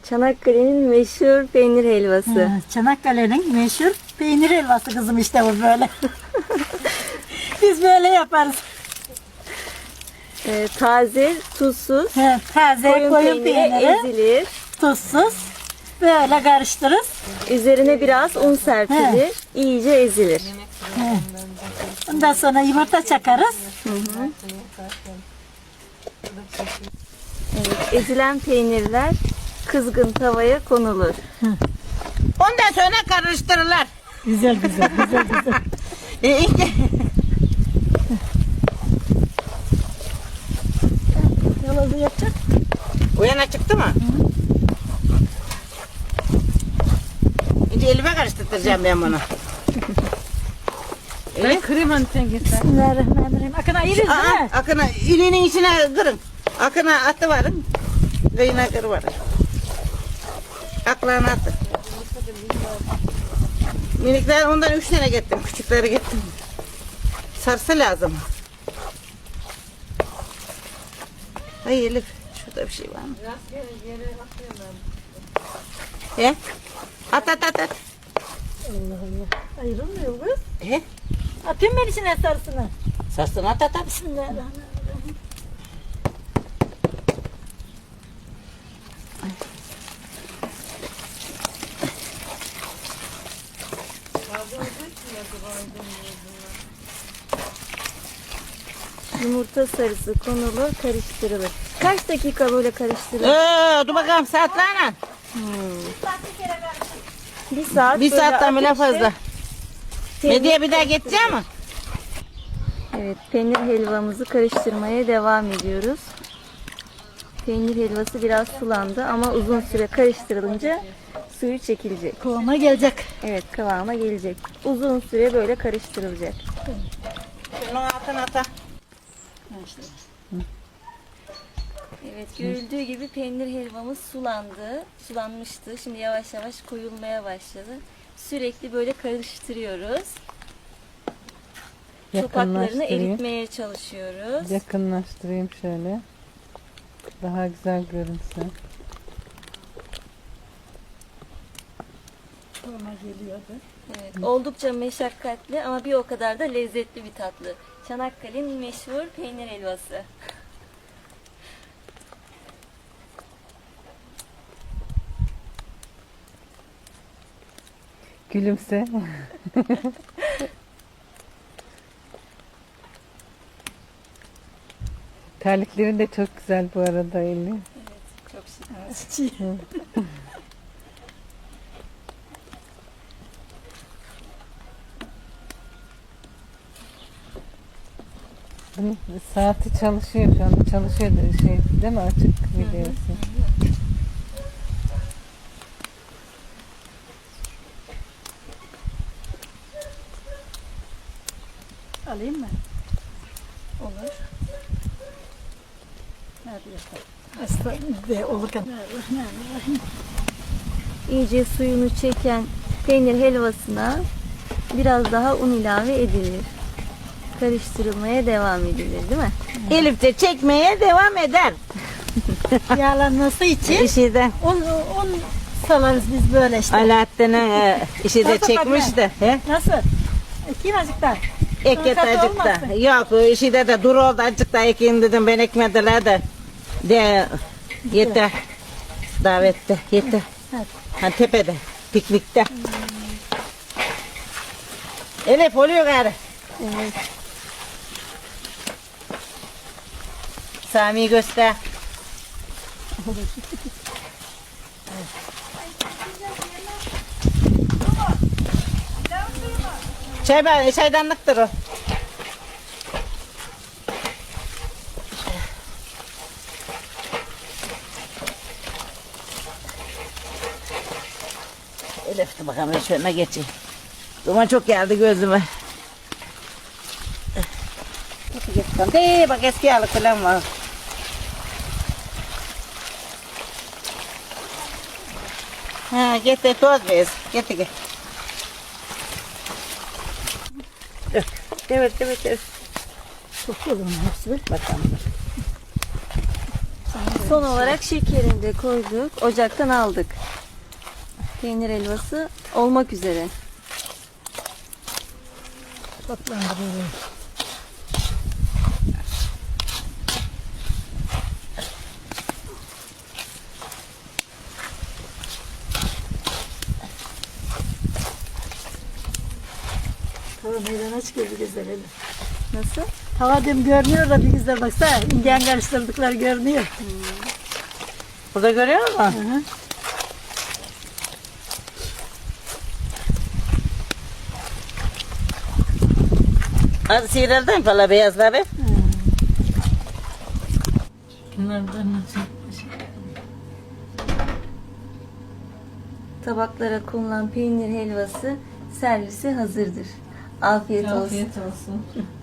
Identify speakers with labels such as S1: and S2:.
S1: Çanakkale'nin meşhur peynir helvası.
S2: Çanakkale'nin meşhur peynir helvası kızım işte bu böyle. Biz böyle yaparız.
S1: Taze, tuzsuz,
S2: Taze koyun peyniri,
S1: ezilir.
S2: tuzsuz. Böyle karıştırırız.
S1: Üzerine biraz un serpilir. İyice ezilir.
S2: Ondan sonra yumurta çakarız.
S1: Evet, ezilen peynirler kızgın tavaya konulur.
S3: Ondan sonra karıştırırlar.
S2: Güzel.
S3: İşte
S2: Yalazı yapacak.
S3: o yana çıktı mı? Şimdi elime karıştıracağım ben bunu.
S4: Ben kırayım hani sen getir.
S2: Bismillahirrahmanirrahim. Akına yeriz değil mi?
S3: Akına iliğinin içine kırın. Akına atı varın. Kıyına kır varın. Aklına atı. Minikler ondan 3 tane getirdim. Küçükleri getirdim. Sarsı lazım. Ay Elif, şurada bir şey var mı? He? At.
S2: Allah Allah. Ayrılmıyor kız.
S3: He?
S2: Atayım ben içine sarısını.
S3: Sarsın at.
S2: Bismillahirrahmanirrahim.
S1: Yumurta sarısı konulur, karıştırılır. Kaç dakika böyle karıştırılır?
S3: Dur bakalım saatlerle.
S1: Bir saat.
S3: Bir
S1: böyle
S3: saatten bile
S1: ateşte
S3: fazla. Medyaya bir daha geçeceğim mi?
S1: Evet, peynir helvamızı karıştırmaya devam ediyoruz. Peynir helvası biraz sulandı ama uzun süre karıştırılınca suyu çekilecek.
S2: Kıvama gelecek.
S1: Evet, kıvama gelecek. Uzun süre böyle karıştırılacak.
S3: Şunun altına ata.
S1: Evet, görüldüğü gibi peynir helvamız sulanmıştı. Şimdi yavaş yavaş koyulmaya başladı. Sürekli böyle karıştırıyoruz. Topaklarını
S4: Yakınlaştırayım.
S1: eritmeye çalışıyoruz.
S4: Yakınlaştırayım şöyle. Daha güzel görünsün.
S2: Kıvama geliyordu.
S1: Evet, oldukça meşakkatli ama bir o kadar da lezzetli bir tatlı. Çanakkale'nin meşhur peynir helvası.
S4: Gülümse. Terliklerin de çok güzel bu arada Elif.
S1: Çok şık.
S4: Bunun saati çalışıyor şu anda. Çalışıyor da şey değil mi? Açık videosu.
S2: Alayım mı?
S1: Olur.
S2: Hadi yapalım. Estağfurullah. Olurken.
S1: İyice suyunu çeken peynir helvasına biraz daha un ilave edilir. Karıştırılmaya devam edilir, değil mi?
S3: Elif de çekmeye devam eder.
S2: Yağlanması için
S3: İşi de
S2: un salarız biz böyle işte.
S3: Alaaddin'in işi de
S2: Nasıl
S3: çekmişti. He?
S2: Nasıl? Kim azıcıklar?
S3: Eket
S2: Katı
S3: acıkta.
S2: olmasın.
S3: Yok işi de dur oldu acıkta ekeyim dedim ben ekmediler de yeter. Davette yeter.
S2: Hadi.
S3: Ha tepede piknikte. Elif oluyor gari.
S1: Evet.
S3: Sami'yi göster. Çaydanlıktır o. Elif de bakalım şöyle geçeyim. Duman çok geldi gözüme. Bak eski yağlık falan var. Ha getir toz bez. Getir. Evet.
S2: Çok olur mu hepsi?
S3: Bakalım.
S2: Sana da
S1: Son olarak şekerini de koyduk. Ocaktan aldık. Peynir helvası olmak üzere.
S2: Tatlandırıyorum. Tava meydana çıkıyor bir güzel hele.
S1: Nasıl?
S2: Tava diyorum görünüyor da bir güzel baksana. İndiyen karıştırdıklar görünüyor.
S3: Burada görüyor musun?
S2: Hı hı.
S3: Hadi sihirelden falan beyazları.
S4: Bunlardan
S1: Tabaklara konulan peynir helvası servise hazırdır. Afiyet olsun.
S4: afiyet olsun.